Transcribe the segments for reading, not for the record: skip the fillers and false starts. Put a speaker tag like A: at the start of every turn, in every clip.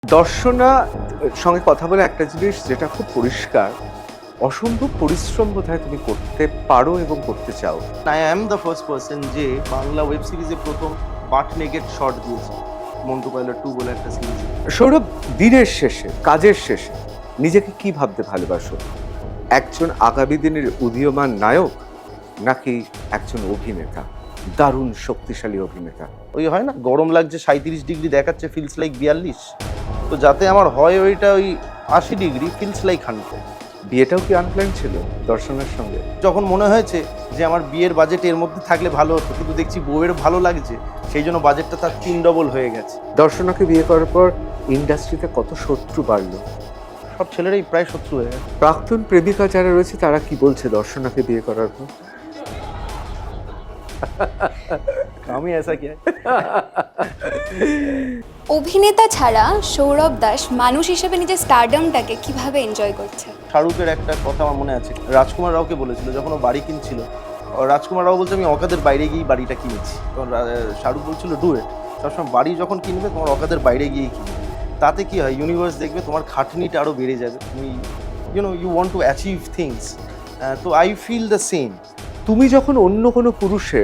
A: দর্শনা সঙ্গে কথা বলে একটা জিনিস যেটা খুব পরিষ্কার, অসম্ভব পরিশ্রম বোধহয় তুমি করতে পারো এবং করতে চাও।
B: I am the first person যে বাংলা ওয়েব সিরিজে প্রথম বাট নেগেট শট দিয়েছে, মন্টু পাইলট 2 বলে একটা সিরিজ।
A: সৌরভ, দিনের শেষে, কাজের শেষে নিজেকে কি ভাবতে ভালোবাসো? একজন আগামী দিনের উদীয়মান নায়ক, নাকি একজন অভিনেতা, দারুণ শক্তিশালী অভিনেতা?
B: ওই হয় না, গরম লাগছে 37 ডিগ্রি দেখাচ্ছে, ফিলস লাইক 42। তো যাতে আমার হয় ওইটা ওই 80 ডিগ্রি, ফিলস লাইক 100।
A: বিয়েটাও কি আনপ্ল্যান ছিল দর্শনের সঙ্গে?
B: যখন মনে হয়েছে যে আমার বিয়ের বাজেট এর মধ্যে থাকলে ভালো হতো, কিন্তু দেখছি বউয়ের ভালো লাগছে, সেই জন্য বাজেটটা তার 3 ডবল হয়ে গেছে।
A: দর্শনাকে বিয়ে করার পর ইন্ডাস্ট্রিতে কত শত্রু বাড়লো।
B: সব ছেলেরাই প্রায় শত্রু হয়ে গেছে।
A: প্রাক্তন প্রেমিকা যারা রয়েছে তারা কি বলছে দর্শনাকে বিয়ে করার পর?
B: আমি এসা কি
C: অভিনেতা ছাড়া সৌরভ দাস মানুষ হিসেবে নিজের স্টারডমটাকে কিভাবে এনজয় করছে?
B: শাহরুখের একটা কথা আমার মনে আছে, রাজকুমার রাওকে বলেছিল যখন ও বাড়ি কিনছিল, রাজকুমার রাও বলছে আমি অকাদের বাইরে গিয়েই বাড়িটা কিনেছি। তখন শাহরুখ বলছিল ডু ইট, সবসময় বাড়ি যখন কিনবে তোমার অকাদের বাইরে গিয়েই কিনবে। তাতে কি হয়, ইউনিভার্স দেখবে তোমার খাটনিটা আরও বেড়ে যাবে, তুমি you want to achieve things. তো আই ফিল দ্য সেম।
A: তুমি যখন অন্য কোনো পুরুষের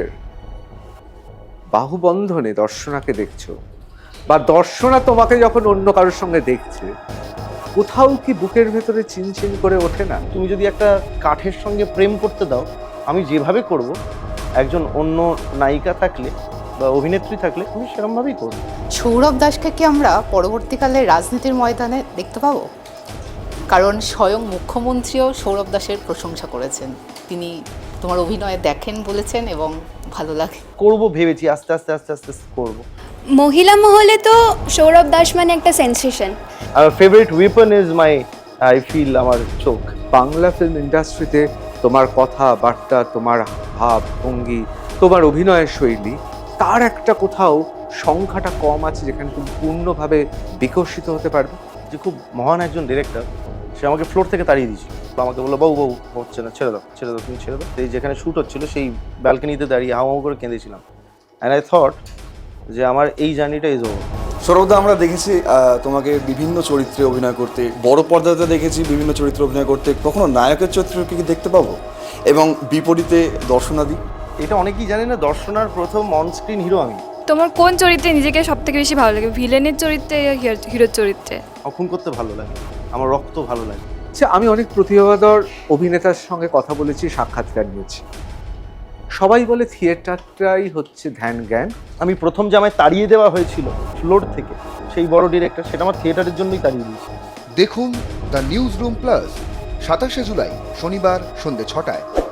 A: বাহুবন্ধনে দর্শনাকে দেখছো, বা দর্শনা তোমাকে যখন অন্য কারোর সঙ্গে দেখছে, কোথাও কি বুকের ভেতরে চিনচিন করে ওঠে না?
B: তুমি যদি একটা কাঠের সঙ্গে প্রেম করতে দাও, আমি যেভাবে করব, একজন অন্য নায়িকা থাকলে বা অভিনেত্রী থাকলে আমি সেরকমভাবেই করবো।
D: সৌরভ দাসকে কি আমরা পরবর্তীকালে রাজনীতির ময়দানে দেখতে পাবো? কারণ স্বয়ং মুখ্যমন্ত্রীও সৌরভ দাসের প্রশংসা করেছেন, তিনি তোমার অভিনয়ে দেখেন বলেছেন এবং ভালো লাগে।
B: করবো ভেবেছি, আস্তে আস্তে আস্তে আস্তে করবো।
C: মহিলা মহলে তো সৌরভ দাস মানে একটা সেন্সেশন।
B: আমার favourite weapon is my, I feel, আমার চোখ।
A: বাংলা ফিল্ম ইন্ডাস্ট্রিতে তোমার কথাবার্তা, তোমার ভাব ভঙ্গি, তোমার অভিনয়ের শৈলী, তার একটা কোথাও সংখ্যাটা কম আছে যেখানে তুমি পূর্ণভাবে বিকশিত হতে পারবে।
B: যে খুব মহান একজন ডিরেক্টর, সে আমাকে ফ্লোর থেকে তাড়িয়ে দিয়েছিল। আমাকে বললো বাবু বাবু হচ্ছে না, ছেড়ে দাও ছেড়ে দাও, তুমি ছেড়ে দাও। এই যেখানে শ্যুট হচ্ছিল সেই ব্যালকনিতে দাঁড়িয়ে হাউ করে কেঁদেছিলাম। অ্যান্ড আই থট যে আমার এই জার্নিটা ইজ ওভার।
E: সৌরভদা, আমরা দেখেছি তোমাকে বিভিন্ন চরিত্রে অভিনয় করতে, বড় পর্দাতে দেখেছি বিভিন্ন চরিত্রে অভিনয় করতে, কখনো নায়কের চরিত্রকে কি দেখতে পাবো? এবং বিপরীতে দর্শনাদি?
B: এটা অনেকেই জানে না, দর্শনার প্রথম অনস্ক্রিন হিরো আমি।
F: তোমার কোন চরিত্রে নিজেকে সব থেকে বেশি ভালো লাগে, ভিলেনের চরিত্রে ইয়া হিরোর চরিত্রে?
B: খুন করতে ভালো লাগে, আমার রক্ত ভালো লাগে।
A: আচ্ছা, আমি অনেক প্রতিভাধর অভিনেতার সঙ্গে কথা বলেছি, সাক্ষাৎকার নিয়েছি, সবাই বলে থিয়েটারটাই হচ্ছে ধ্যান জ্ঞান।
B: আমি প্রথম যে আমায় তাড়িয়ে দেওয়া হয়েছিল ফ্লোর থেকে, সেই বড় ডিরেক্টর, সেটা আমার থিয়েটারের জন্যই তাড়িয়ে দিয়েছে।
G: দেখুন দ্য নিউজ রুম প্লাস 27শে জুলাই শনিবার সন্ধ্যে 6টায়।